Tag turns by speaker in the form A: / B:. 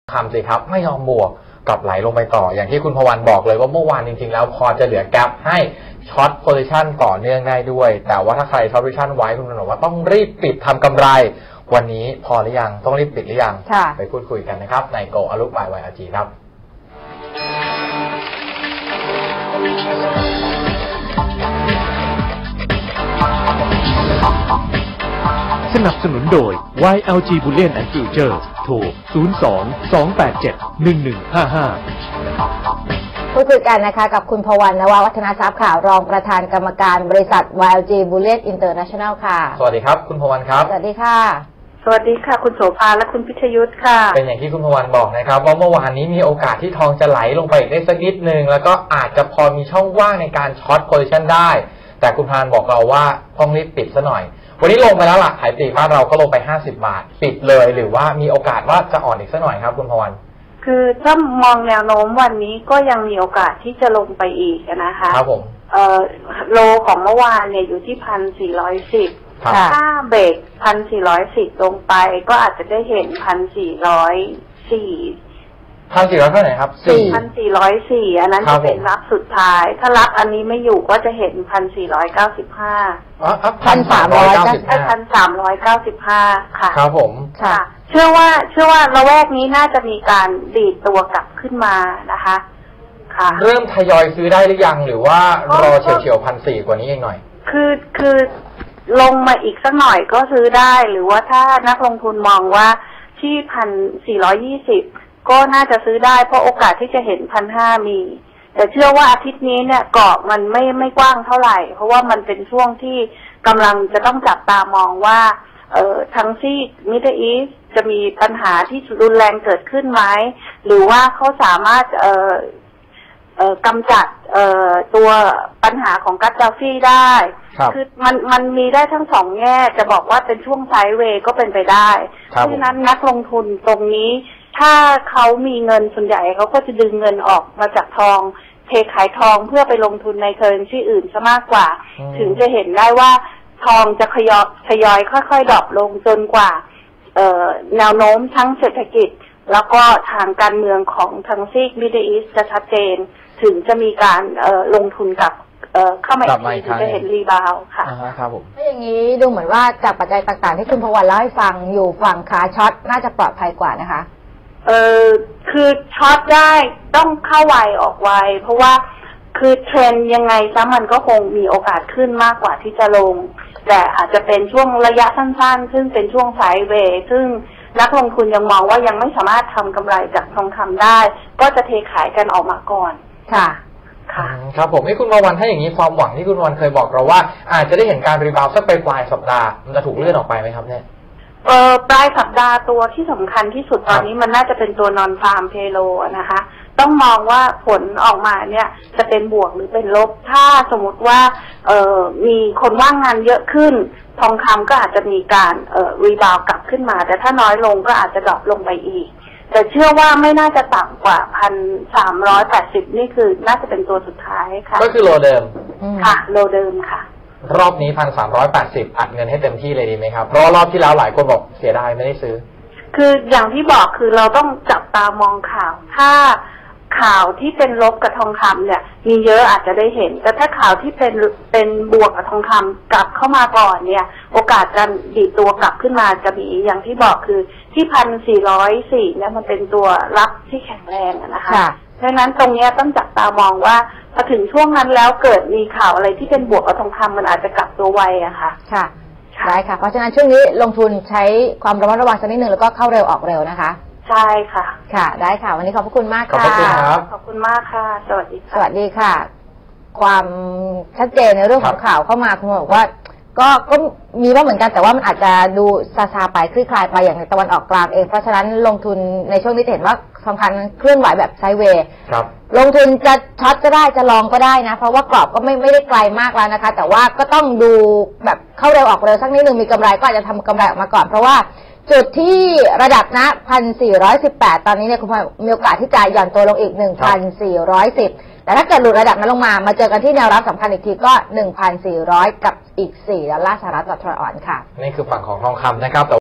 A: คำสิครับไม่ยอมบวกกลับไหลลงไปต่ออย่างที่คุณพวันบอกเลยว่าเมื่อวานจริงๆแล้วพอจะเหลือแกลบให้ช็อตโพซิชันต่อเนื่องได้ด้วยแต่ว่าถ้าใครช็อตโพซิชันไว้คุณบอกว่าต้องรีบปิดทำกำไรวันนี้พอหรือยังต้องรีบปิดหรือยังไปพูดคุยกันนะครับในโกอลุกบาย YLG ครับ
B: สนับสนุนโดย YLG Bullion and Future โทร 02-287-1155
C: พูดคุยกันนะคะกับคุณพวันนววัฒนทรัพย์ค่ะรองประธานกรรมการบริษัท YLG Bullion International ค่ะ
A: สวัสดีครับคุณพวันครับ
C: สวัสดีค่ะ
D: สวัสดีค่ะคุณโสภาและคุณพิชยุทธค่ะ
A: เป็นอย่างที่คุณพวันบอกนะครับว่าเมื่อวานนี้มีโอกาสที่ทองจะไหลลงไปอีกได้สักนิดนึงแล้วก็อาจจะพอมีช่องว่างในการช็อตโพซิชันได้แต่คุณพานบอกเราว่าต้องรีบปิดซะหน่อยวันนี้ลงไปแล้วล่ะขายปลีกบ้านเราก็ลงไป50 บาทปิดเลยหรือว่ามีโอกาสว่าจะอ่อนอีกสักหน่อยครับคุณพวัน
D: คือถ้ามองแนวโน้มวันนี้ก็ยังมีโอกาสที่จะลงไปอีกนะคะ
A: ครับผม
D: โลของเมื่อวานเนี่ยอยู่ที่1,410ถ้าเบรก1,410ลงไปก็อาจจะได้เห็น
A: 1,404เท่าไหร่ครับ
D: 1,404อันนั้นจะเป็นรับสุดท้ายถ้ารับอันนี้ไม่อยู่ก็จะเห็น1,4951,395ค่ะ
A: ครับผม
D: ค่ะเชื่อว่าระแวกนี้น่าจะมีการดีดตัวกลับขึ้นมานะคะค่ะ
A: เริ่มทยอยซื้อได้หรือยังหรือว่ารอเฉียว1,400กว่านี้เองหน่อย
D: คือลงมาอีกสักหน่อยก็ซื้อได้หรือว่าถ้านักลงทุนมองว่าที่1,420ก็น่าจะซื้อได้เพราะโอกาสที่จะเห็น1,500มีแต่เชื่อว่าอาทิตย์นี้เนี่ยกรอบมันไม่กว้างเท่าไหร่เพราะว่ามันเป็นช่วงที่กำลังจะต้องจับตามองว่าทั้งซีกมิดเดิลอีสต์จะมีปัญหาที่รุนแรงเกิดขึ้นไหมหรือว่าเขาสามารถกำจัดตัวปัญหาของกัดดาฟีได้คือมันมีได้ทั้งสองแง่จะบอกว่าเป็นช่วงไซด์เวย์ก็เป็นไปได้เพราะฉะนั้นนักลงทุนตรงนี้ถ้าเขามีเงินส่วนใหญ่เขาก็จะดึงเงินออกมาจากทองเทขายทองเพื่อไปลงทุนในเคอร์เรนซีอื่นซะมากกว่าถึงจะเห็นได้ว่าทองจะทยอยค่อยๆดรอปลงจนกว่าแนวโน้มทั้งเศรษฐกิจแล้วก็ทางการเมืองของทางซีกมิดเดิลอีสต์จะชัดเจนถึงจะมีการลงทุนกับเข้ามาอีกทีถึงจะเห็นรีบาวค่ะ
A: ครับผม
C: ถ้าอย่างนี้ดูเหมือนว่าจากปัจจัยต่างๆที่คุณพวันเล่าให้ฟังอยู่ฝั่งขาช็อตน่าจะปลอดภัยกว่านะคะ
D: คือช็อตได้ต้องเข้าไวออกไวเพราะว่าคือเทรนยังไงซะมันก็คงมีโอกาสขึ้นมากกว่าที่จะลงแต่อาจจะเป็นช่วงระยะสั้นๆซึ่งเป็นช่วงไซด์เวย์ซึ่งนักลงทุนยังมองว่ายังไม่สามารถทำกำไรจากทองคำได้ก็จะเทขายกันออกมาก่อน
C: ค่ะ
A: ครับผมให้คุณพวันถ้าอย่างนี้ความหวังที่คุณพวันเคยบอกเราว่าอาจจะได้เห็นการรีบาวด์สักปลายสัปดาห์มันจะถูกเลื่อนออกไปไหมครับเนี่ย
D: ปลายสัปดาห์ตัวที่สำคัญที่สุดตอนนี้มันน่าจะเป็นตัวนอนฟาร์มเพโลนะคะต้องมองว่าผลออกมาเนี่ยจะเป็นบวกหรือเป็นลบถ้าสมมติว่ามีคนว่างงานเยอะขึ้นทองคำก็อาจจะมีการรีบาวด์กลับขึ้นมาแต่ถ้าน้อยลงก็อาจจะดรอปลงไปอีกแต่เชื่อว่าไม่น่าจะต่ำกว่า1,380นี่คือน่าจะเป็นตัวสุดท้ายค่ะ
A: ก็คือโลเดิม
D: ค่ะโลเดิมค่ะ
A: รอบนี้1,380อัดเงินให้เต็มที่เลยดีไหมครับเพราะรอบที่แล้วหลายคนบอกเสียดายไม่ได้ซื้อ
D: คืออย่างที่บอกคือเราต้องจับตามองข่าวถ้าข่าวที่เป็นลบกับทองคำเนี่ยมีเยอะอาจจะได้เห็นแต่ถ้าข่าวที่เป็นบวกกับทองคำกลับเข้ามาก่อนเนี่ยโอกาสการดีดตัวกลับขึ้นมาจะมีอย่างที่บอกคือที่1,404เนี่ยมันเป็นตัวรับที่แข็งแรงนะคะเพราะฉะนั้นตรงนี้ต้องจับตามองว่าพอถึงช่วงนั้นแล้วเกิดมีข่าวอะไรที่เป็นบวกกับทองคำมันอาจจะกลับตัวไวอะค่ะ
C: ค่ะได้ค่ะเพราะฉะนั้นช่วงนี้ลงทุนใช้ความระมัดระวังสักนิดนึงแล้วก็เข้าเร็วออกเร็วนะคะ
D: ใช่ค่ะ
C: ค่ะได้ค่ะวันนี้ขอบพระคุณมากค่ะ
A: ขอบคุณครับ
D: ขอบคุณมากค่ะสวัสดีค่ะ
C: สวัสดีค่ะความชัดเจนในเรื่องของข่าวเข้ามาคุณบอกว่าก็มีบ้างเหมือนกันแต่ว่ามันอาจจะดูซาไปคลี่คลายไปอย่างในตะวันออกกลางเองเพราะฉะนั้นลงทุนในช่วงนี้เห็นว่าสำคัญเคลื่อนไหวแบบไซด์เวย์ลงทุนจะช็อตก็ได้จะลองก็ได้นะเพราะว่ากรอบก็ไม่ได้ไกลมากแล้วนะคะแต่ว่าก็ต้องดูแบบเข้าเร็วออกเร็วสักนิดนึงมีกำไรก็อาจจะทำกำไรออกมาก่อนเพราะว่าจุดที่ระดับนะ1,418ตอนนี้เนี่ยคุณพมีโอกาสที่จะหย่อนตัวลงอีก1,410แต่ถ้าเกิดหลุดระดับนั้นลงมาเจอกันที่แนวรับสำคัญอีกทีก็ 1,400 กับอีก$4ต่อทรอยออนซ์ค่ะ
A: นี่คือฝั่งของทองคำนะครับ